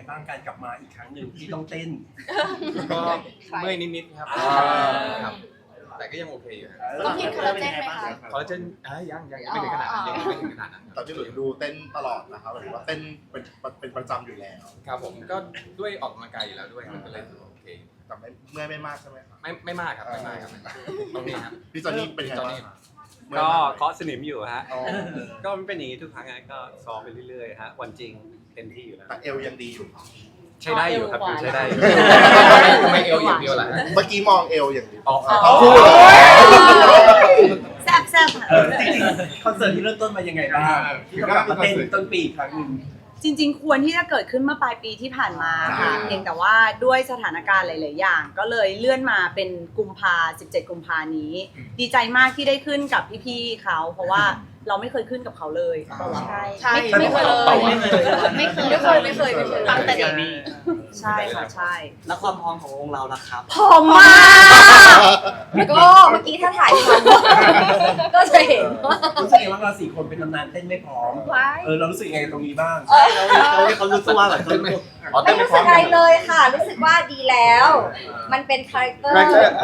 บ้างการกลับมาอีกครั้งหนึ่งที่ต้องเต้นก็เมื่อยนิดๆครับครับแต่ก็ยังโอเคอยู่ต้องกินคอลลาเจนไหมคะคอลลาเจนยังไม่ถึงขนาดนั้นยังไม่ถึงขนาดนั้นแต่พี่หลุยดูเต้นตลอดนะครับหรือว่าเต้นเป็นประจำอยู่แล้วครับผมก็ด้วยออกกำลังกายอยู่แล้วด้วยมันก็เลยโอเคแต่ไม่มากใช่ไหมครับไม่มากครับไม่มากครับตรงนี้ครับพี่จอนนี่เป็นไงบ้างครับก็เคาะสนิมอยู่ฮะก็มันเป็นอย่างนี้ทุกครั้งนะก็ซ้อมไปเรื่อยๆฮะวันจริงเต็มที่อยู่แล้วแต่เอวยังดีอยู่ใช้ได้อยู่ครับใช้ได้อยู่ทำไมเอวอย่างเดียวล่ะเมื่อกี้มองเอวอย่างเดียวแซ่บแซ่บจริงๆคอนเสิร์ตที่เริ่มต้นมายังไงบ้างที่ต้องกลับมาเต้นต้นปีอีกครั้งหนึ่งจริงๆ ควรที่จะเกิดขึ้นเมื่อปลายปีที่ผ่านมาค่ะเพียงแต่ว่าด้วยสถานการณ์หลายๆอย่าง ก็เลยเลื่อนมาเป็นกุมภา17 กุมภานี้ ดีใจมากที่ได้ขึ้นกับพี่ๆเขาเพราะว่าเราไม่เคยขึ้นกับเขาเลยใช่ไม่เคยเลยไม่เคยตั้งแต่เด็กใช่ค่ะใช่แล้วความพร้อมของวงเราล่ะครับพร้อมมากก็เมื่อกี้ถ้าถ่ายทำก็จะเห็นว่ารู้สึกไงว่าเรา4 คนเป็นตำนานเต้นไม่พร้อมเรารู้สึกยังไงกับตรงนี้บ้างเขารู้ตัวแบบเขารู้ไม่รู้สึกอะไรเลยค่ะ รู้สึกว่าดีแล้ว มันเป็นคาแรคเตอร์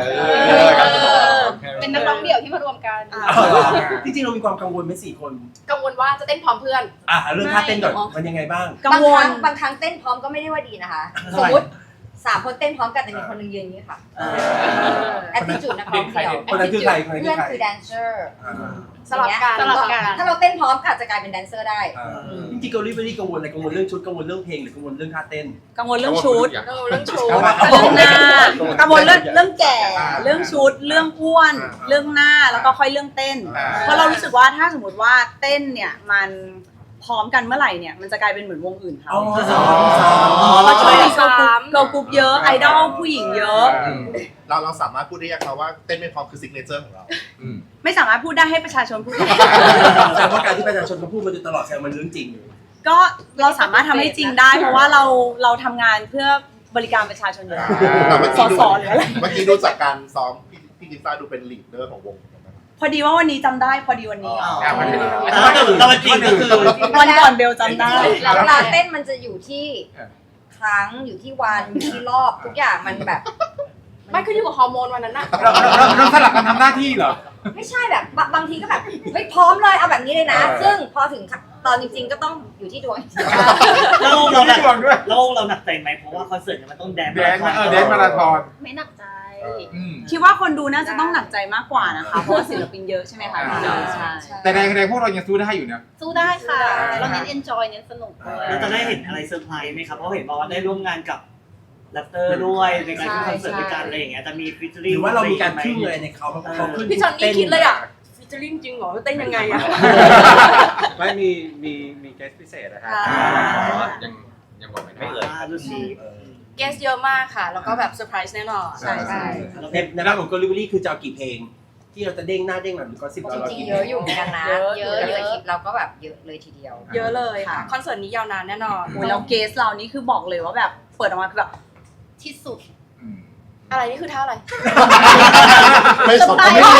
เป็นนักร้องเดี่ยวที่มารวมกันจริงๆเรามีความกังวลไหม4 คนกังวลว่าจะเต้นพร้อมเพื่อนเรื่องท่าเต้นก่อนมันยังไงบ้างกังวลบางครั้งเต้นพร้อมก็ไม่ได้ว่าดีนะคะ สมมติ3 คนเต้นพร้อมกันแต่มีคนหนึงยืนอย่างนี้ค่ะแอตติจูดนักร้องเดี่ยวคนนั้นคือใครคนนั้นคืเพื่ออนใครคือแดนเซอร์สลับกันถ้าเราเต้นพร้อมก็อาจจะกลายเป็นแดนเซอร์ได้จริงๆเกาหลีไม่ได้กังวลอะไรกังวลเรื่องชุดกังวลเรื่องเพลงหรือกังวลเรื่องท่าเต้นกังวลเรื่องชุดเรื่องชูเรื่องหน้ากังวลเรื่องแก่ เรื่องชุด เรื่องอ้วน เรื่องหน้า แล้วก็ค่อยเรื่องเต้น เพราะเรารู้สึกว่าถ้าสมมติว่าเต้นเนี่ยมันพร้อมกันเมื่อไหร่เนี่ยมันจะกลายเป็นเหมือนวงอื่นเขาเพราะช่วงนี้เกิร์ลกรุ๊ปเยอะไอดอลผู้หญิงเยอะเราสามารถพูดได้ยังครับว่าเต้นไม่พร้อมคือซิกเนเจอร์ของเราไม่สามารถพูดได้ให้ประชาชนพูดแสดงว่าการที่ประชาชนเขาพูดมาโดยตลอดแสดงมันเรื่องจริงก็เราสามารถทำให้จริงได้ เพราะว่าเราทำงานเพื่อบริการประชาชนอยู่แล้วแต่เมื่อสกี้อดูสอหรืออะไรเมื่อกี้ดูจากการซ้อมพี่กิฟซ่าดูเป็นลีดเดอร์ของวงพอดีว่าวันนี้จำได้พอดีวันนี้เราจริงก็คือวันก่อนเบลจำได้แล้วเวลาเต้นมันจะอยู่ที่ครั้งอยู่ที่วันอยู่ที่รอบทุกอย่างมันแบบไม่ขึ้นอยู่กับฮอร์โมนวันนั้นน่ะเราสลับกันทำหน้าที่เหรอไม่ใช่แบบบางทีก็แบบเฮ้ยพร้อมเลยเอาแบบนี้เลยนะ ซึ่งพอถึงตอนจริงๆก็ต้องอยู่ที่ดวงแล้วเราหนักแล้วเราหนักใจไหมเพราะว่าคอนเสิร์ตมันต้องแดนมาราธอนไม่หนักใจคิดว่าคนดูน่าจะต้องหนักใจมากกว่านะคะ เพราะว่าศิลปินเยอะใช่ไหมคะใช่แต่แรงพวกเรายังสู้ได้อยู่นะสู้ได้ค่ะ เราเน้น enjoy เน้นสนุกด้วยเราจะได้เห็นอะไรเซอร์ไพรส์ไหมครับเพราะเห็นบอกว่าได้ร่วมงานกับแรปเตอร์ด้วยในการขึ้นคอนเสิร์ตด้วยกันอะไรอย่างเงี้ยจะมีฟิชเชอหริ่งรือว่าเรามีการพึ่งอะไรในเขาเพราะเขาขึ้นพี่จอนนี่คิดเลยอ่ะฟิชเจอริ่งจริงเหรอเต้นยังไงอ่ะไม่มีเกสพิเศษนะฮะยังบอกไม่เอ่ยดูสิเกสเยอะมากค่ะ แล้วก็แบบเซอร์ไพรส์แน่นอนใช่ใช่ในด้านของ Delivery คือจะเอากี่เพลง ที่เราจะเด้งหน้าเด้งหลังหรือก็10 จเราริงกี่ๆเยอะอยู่เหมือนกันนะเยอะคลิปเราก็แบบเยอะเลยทีเดียวเยอะเลยค่ะ คอนเสิร์ตนี้ยาวนานแน่นอนโอ้ยแล้วเกสเรานี่คือบอกเลยว่าแบบเปิดออกมาคือแบบที่สุด อะไรนี่คือท่าอะไรไม่สมไม่ส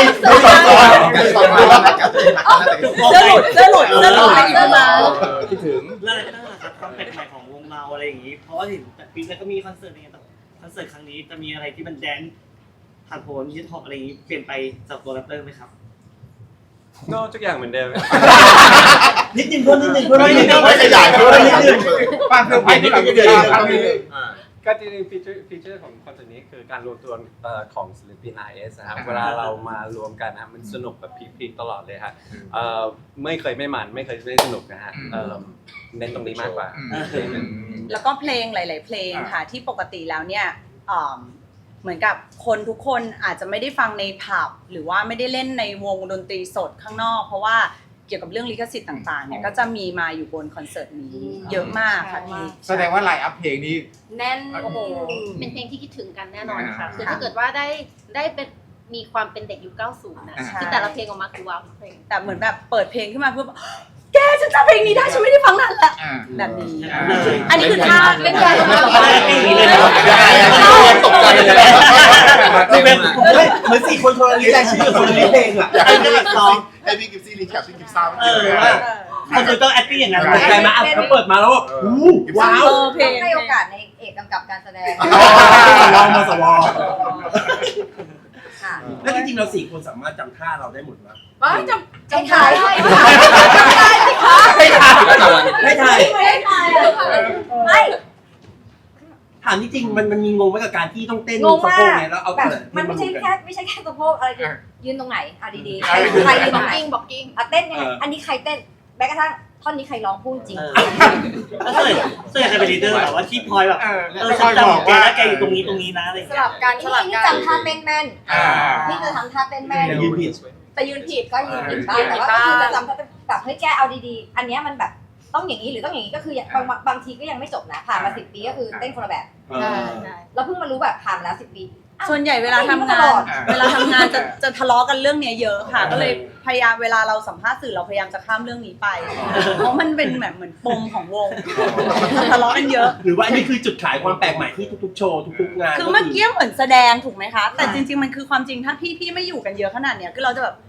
มเสื้อหลุดอะไรอย่างเงี้ยมาคิดถึงแล้วอะไรก็ได้ครับความแปลกใหม่ของวงเราอะไรอย่างงี้เพราะว่าเห็นแต่ปีแล้วก็มีคอนเสิร์ตอะไรเงี้ยแต่คอนเสิร์ตครั้งนี้จะมีอะไรที่มันแดนผ่านโผล่ฮิปฮอปอะไรอย่างงี้เปลี่ยนไปจากตัวแรปเตอร์ไหมครับก็ทุกอย่างเหมือนเดิมนิดนึงเพิ่มนิดนึงเพิ่มนิดนึงไม่ขยายเพิ่มนิดนึงฟังเซอร์ไพรส์ที่เราไม่ได้ก็จริงๆฟีเจอร์ของคอนเสิร์ตนี้คือการรวมตัวของศิลปิน RS นะครับเวลาเรามารวมกันนะมันสนุกแบบพีคๆตลอดเลยฮะไม่เคยไม่มันไม่เคยไม่สนุกนะฮะเน้นตรงนี้มากกว่าแล้วก็เพลงหลาย ๆ เพลงค่ะที่ปกติแล้วเนี่ยเหมือนกับคนทุกคนอาจจะไม่ได้ฟังในผับหรือว่าไม่ได้เล่นในวงดนตรีสดข้างนอกเพราะว่าเกี่ยวกับเรื่องลิขสิทธิ์ต่าง ๆ เนี่ยก็จะมีมาอยู่บนคอนเสิร์ตนี้เยอะมากค่ะพี่แสดงว่าไลน์อัพเพลงนี้แน่นโอ้โหเป็นเพลงที่คิดถึงกันแน่นอนค่ะอ่าคือถ้าเกิดว่าได้เป็นมีความเป็นเด็กยุค 90 นะ คือแต่ละเพลงออกมาคือว้าวทุกเพลงแต่เหมือนแบบเปิดเพลงขึ้นมาเพื่อแกฉันจำเพลงนี้ได้ฉันไม่ได้ฟังนานละแบบนี้ อันนี้คือท่าเล่นใหญ่มากตกใจเลยเหมือน4 คนคนละลิสต์รายชื่อคนละลิสต์เพลงอ่ะอยากให้พี่กิฟซี่รีแคปพี่กิฟซ่าว่าคอนเสิร์ตต้อง acting อย่างนั้นตกใจมาเขาเปิดมาแล้วแบบว้าวเพลต้อง งให้โอกาสในเอกกำกับการแสดงลองมาสวอค่ะแล้วจริงๆเรา4 คนสามารถจำท่าเราได้หมดไหมว้าวจำถ่ายได้ไม่ถ่ายไม่ถ่ายไม่ถามจริงๆมันมีงงไหมกับการที่ต้องเต้นงงสะมาโพกกไงแล้วเอาแบบแต่มันไม่ใช่แค่สะโพกอะไรคือยืนตรงไหนอ่ะดีๆใครยืนตรงไหนบอกกิ้งอ่ะเต้นยังไงอันนี้ใครเต้นแม้กระทั่งท่อนนี้ใครร้องพูดจริงแล้วส่วนใหญ่ใครเป็นลีดเดอร์แบบว่าที่พลอยแบบฉันจำแกแล้วแกอยู่ตรงนี้นะอะไรอย่างสเงี้ยลับกันสลับนี่กันจำท่าเต้นแม่นนี่คือทำท่าเต้นแม่นแต่ยืนผิดแต่ยืนผิดก็ยืนผิดบ้างแต่ว่าก็คือจะจำท่าเต้นแบบเฮ้ยแกเอาดีๆอันเนี้ยมันแบบต้องอย่างนี้หรือต้องอย่างนี้ก็คือบางทีก็ยังไม่จบนะผ่านมา10 ปีก็คือเต้นคนละแบบเราเพิ่งมารู้แบบผ่านมาแล้ว10 ปีส่วนใหญ่เวลาทำงานจะทะเลาะกันเรื่องเนี้ยเยอะค่ะ ก็เลยพยายามเวลาเราสัมภาษณ์สื่อเราพยายามจะข้ามเรื่องนี้ไป เพราะมันเป็นแบบเหมือนปมของวงทะเลาะกันเยอะหรือว่าอันนี้คือจุดขายความแปลกใหม่ที่ทุกๆโชว์ทุกๆงานคือเมื่อกี้เหมือนแสดงถูกไหมคะ แต่จริงๆมันคือความจริงถ้าพี่ไม่อยู่กันเยอะขนาดเนี้ยคือเราจะแบบ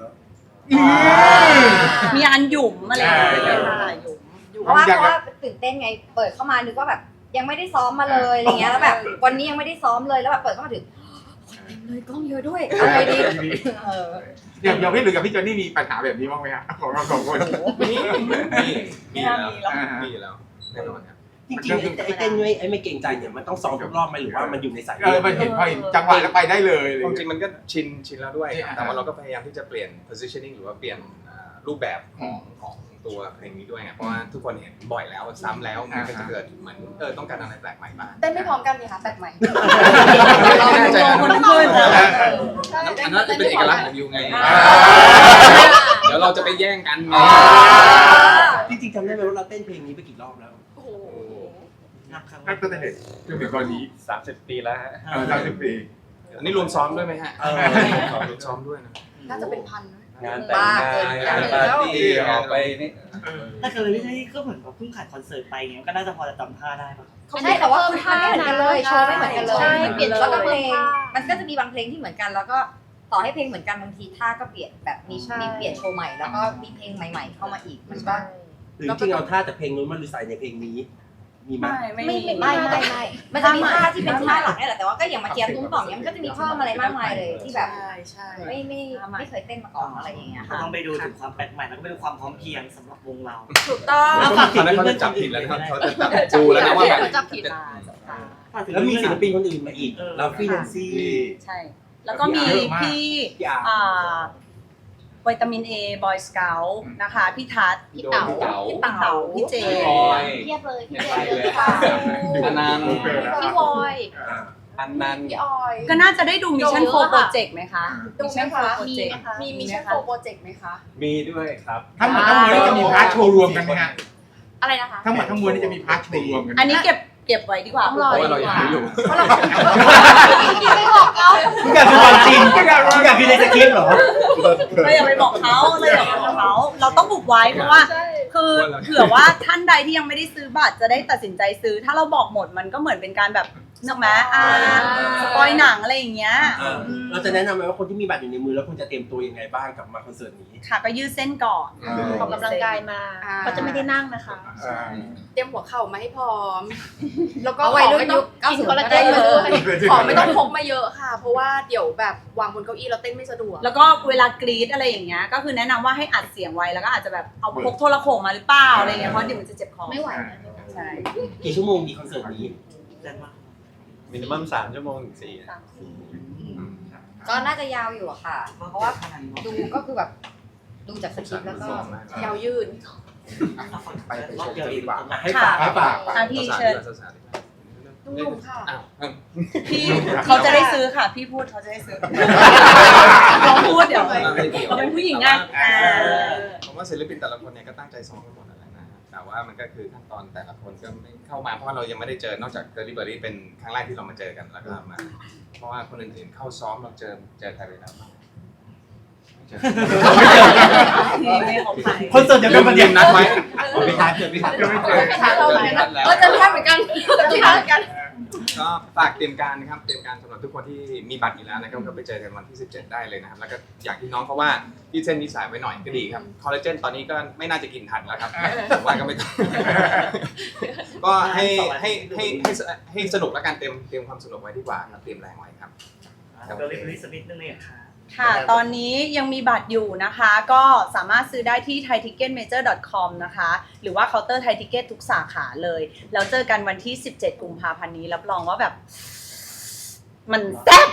มีอันหยุ่มอะไรอย่างเงี้ยค่ะหยุ่มเพราะว่าตื่นเต้นไงเปิดเข้ามานึกว่าแบบยังไม่ได้ซ้อมมาเลยอะไรเงี้ยแล้วแบบวันนี้ยังไม่ได้ซ้อมเลยแล้วแบบเปิดเข้ามาถึงเลยกล้องเยอะด้วยเอาไงดีอย่างพี่หรือกับพี่จอนนี่มีปัญหาแบบนี้บ้างไหมฮะของเรา2 คนมีแล้วแน่นอนครับจริงๆไอ้เต้นไม่เก่งใจเนี่ยมันต้องซ้อมทุกรอบไหมหรือว่ามันอยู่ในสายมันเห็นพอจังหวะแล้วไปได้เลยความจริงมันก็ชินแล้วด้วยครับแต่ว่าเราก็พยายามที่จะเปลี่ยน positioning หรือว่าเปลี่ยนรูปแบบของตัวเพลงนี้ด้วยไงเพราะว่าทุกคนเห็นบ่อยแล้วซ้ำแล้วมันก็จะเกิดเหมือนต้องการอะไรแปลกใหม่บ้างเต้นไม่พร้อมกันนี่ค่ะแปลกใหม่เราเป็นตัวคนขึ้นอันนั้นจะเป็นเอกลักษณ์ของยูไงเดี๋ยวเราจะไปแย่งกันไงจริงๆจำได้ไหมว่าเราเต้นเพลงนี้ไปกี่รอบแล้วโอ้โหนับครั้งนั่นก็จะเห็นจนถึงตอนนี้ 30 ปีแล้วฮะ 30 ปีอันนี้รวมซ้อมด้วยไหมฮะรวมซ้อมด้วยนะน่าจะเป็นพันงานแต่งงานปาร์ตี้ออกไปนี่ถ้าเกิดไม่ใช่ก็เหมือนกับเพิ่งขายคอนเสิร์ตไปเงี้ยก็น่าจะพอจะจำท่าได้ป่ะใช่แต่ว่าคือท่าไม่เหมือนกันเลยโชว์ไม่เหมือนกันเลยใช่เปลี่ยนแล้วก็เพลงมันก็จะมีบางเพลงที่เหมือนกันแล้วก็ต่อให้เพลงเหมือนกันบางทีท่าก็เปลี่ยนแบบมีเปลี่ยนโชว์ใหม่แล้วก็มีเพลงใหม่ ๆ เข้ามาอีกมันก็หรือจริงๆเอาท่าแต่เพลงนู้นมาใส่ในเพลงนี้มีไหมไม่มันจะมีท่าที่เป็นท่าหลักนี่แหละแต่ว่าก็อย่างมาเทียมตุ้มต่อมเนี้ยมันก็จะมีเพิ่มอะไรมากมายเลยที่แบบใช่ไม่เคยเต้นมาก่อนอะไรอย่างเงี้ยก็ค่ะต้องไปดูถึงความแปลกใหม่แล้วก็ไปดูความพร้อมเพรียงสำหรับวงเราถูกต้องฝากตอนนั้นเขาจะจับผิดแล้วนะครับเขาจะจับจูแล้วนะว่าแบบจับผิดแล้วมีศิลปินคนอื่นมาอีกเราฟี่แนนซี่ใช่ แล้วก็มีพี่วิตามิน A Boy Scout นะคะ พี่ทัศน์พี่เต๋าพี่เต๋าพี่เจเทียบเลยพี่เจอันนั้นพี่วอยอันนั้นพี่ออยก็น่าจะได้ดู Mission 4 Project ไหมคะดูไหมคะมีนะคะมีมิชชั่นโปรเจกต์ไหมคะมีด้วยครับทั้งหมดทั้งมวลนี่จะมีพาร์ทโชว์รวมกันไหมฮะอะไรนะคะทั้งหมดทั้งมวลนี่จะมีพาร์ทโชว์รวมกันอันนี้เก็บไว้ดีกว่าต้องรอเพราะว่าเรายังไม่รู้ไม่บอกเขาทุกอย่างคือความจริงทุกอย่างคือในสคริปต์เหรอเราอย่าไปบอกเขาเราต้องบุกไว้เพราะว่า คือเผื่อว่าท่านใดที่ยังไม่ได้ซื้อบัตรจะได้ตัดสินใจซื้อ ถ้าเราบอกหมดมันก็เหมือนเป็นการแบบนึกไหมสปอยหนังอะไรอย่างเงี้ยเราจะแนะนำไหมว่าคนที่มีบัตรอยู่ในมือแล้วคุณจะเตรียมตัวยังไงบ้างกับมาคอนเสิร์ตนี้ค่ะก็ยืดเส้นก่อนออกกำลังกายมาเขาจะไม่ได้นั่งนะคะเตรียมหัวเข่ามาให้พร้อม แล้วก็เอาขไว้องรุ่นไม่ต้ยุองคกิน 90 คอลลาเจนมาด้วยของไม่ต้องพกมาเยอะค่ะ เพราะว่าเดี๋ยวแบบวางบนเก้าอี้เราเต้นไม่สะดวกแล้วก็เวลากรีดอะไรอย่างเงี้ยก็คือแนะนำว่าให้อัดเสียงไว้แล้วก็อาจจะแบบเอาพกโทรโข่งมาหรือเปล่าอะไรเงี้ยเพราะเดี๋ยวมันจะเจ็บคอไม่ไหวนะใช่กี่ชั่วโมงดีคอนเสิร์ตนี้แรงมากมินิมัม3 ชั่วโมงถึงก็น่าจะยาวอยู่อะค่ะ เพราะว่าดูก็คือแบบดูจากสคริปต์แล้วก็ยาวยืดไปชมกันดีกว่าให้ฝากให้ฝากพี่เชิญนุ่มๆค่ะพี่เขาจะได้ซื้อค่ะ พี่พูดเขาจะได้ซื้อเราพูดเดี๋ยวเราเป็นผู้หญิงไงผมว่าศิลปินแต่ละคนเนี่ยก็ตั้งใจซ้อมกันหมดนั่นแหละนะแต่ว่ามันก็คือขั้นตอนแต่ละคนก็ไม่เข้ามาเพราะว่าเรายังไม่ได้เจอนอกจากเดลิเวอรี่เป็นครั้งแรกที่เรามาเจอกันแล้วก็มาเพราะว่าคนอื่นๆเข้าซ้อมเราเจอใครไปแล้วบ้างไม่ของใครคอนเสิร์ตจะเป็นประเด็นนัดไว้ไม่ทันเจอไม่ทันเราเหมือนกันเจอพี่ทัศน์เหมือนกันเจอพี่ทัศน์เหมือนกันก็ฝากเตรียมการนะครับเตรียมการสำหรับทุกคนที่มีบัตรอยู่แล้วนะครับก็ไปเจอกันวันที่ 17 ได้เลยนะครับแล้วก็อย่างที่น้องเขาว่ายืดเส้นยืดสายไว้หน่อยก็ดีครับคอลลาเจนตอนนี้ก็ไม่น่าจะกินทันแล้วครับผมว่าก็ไม่ต้อง ก็ให้สนุกแล้วกันเตรียมความสนุกไว้ดีกว่าครับเตรียมแรงไว้ครับเดี๋ยวรีบสักนิดนึงเลยค่ะค่ะ ตอนนี้ยังมีบัตรอยู่นะคะ ก็สามารถซื้อได้ที่ thaiticketmajor.com นะคะ หรือว่าเคาน์เตอร์ Thai Ticket ทุกสาขาเลย แล้วเจอกันวันที่ 17 กุมภาพันธ์นี้ รับรองว่าแบบ มันแซ่บ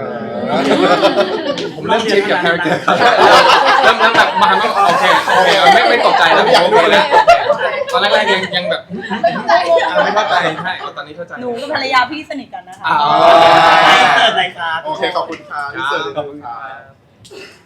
ผมเริ่มชินกับคาแรคเตอร์ครับเริ่มแบบมาโอเคไม่ตกใจแล้วผมรู้แล้วตอนแรกๆยังแบบไม่เข้าใจใช่ตอนนี้เข้าใจหนูกับภรรยาพี่สนิทกันนะคะเสิร์ฟเลยครับโอเคขอบคุณค่ะพี่เสิร์ฟขอบคุณค่ะ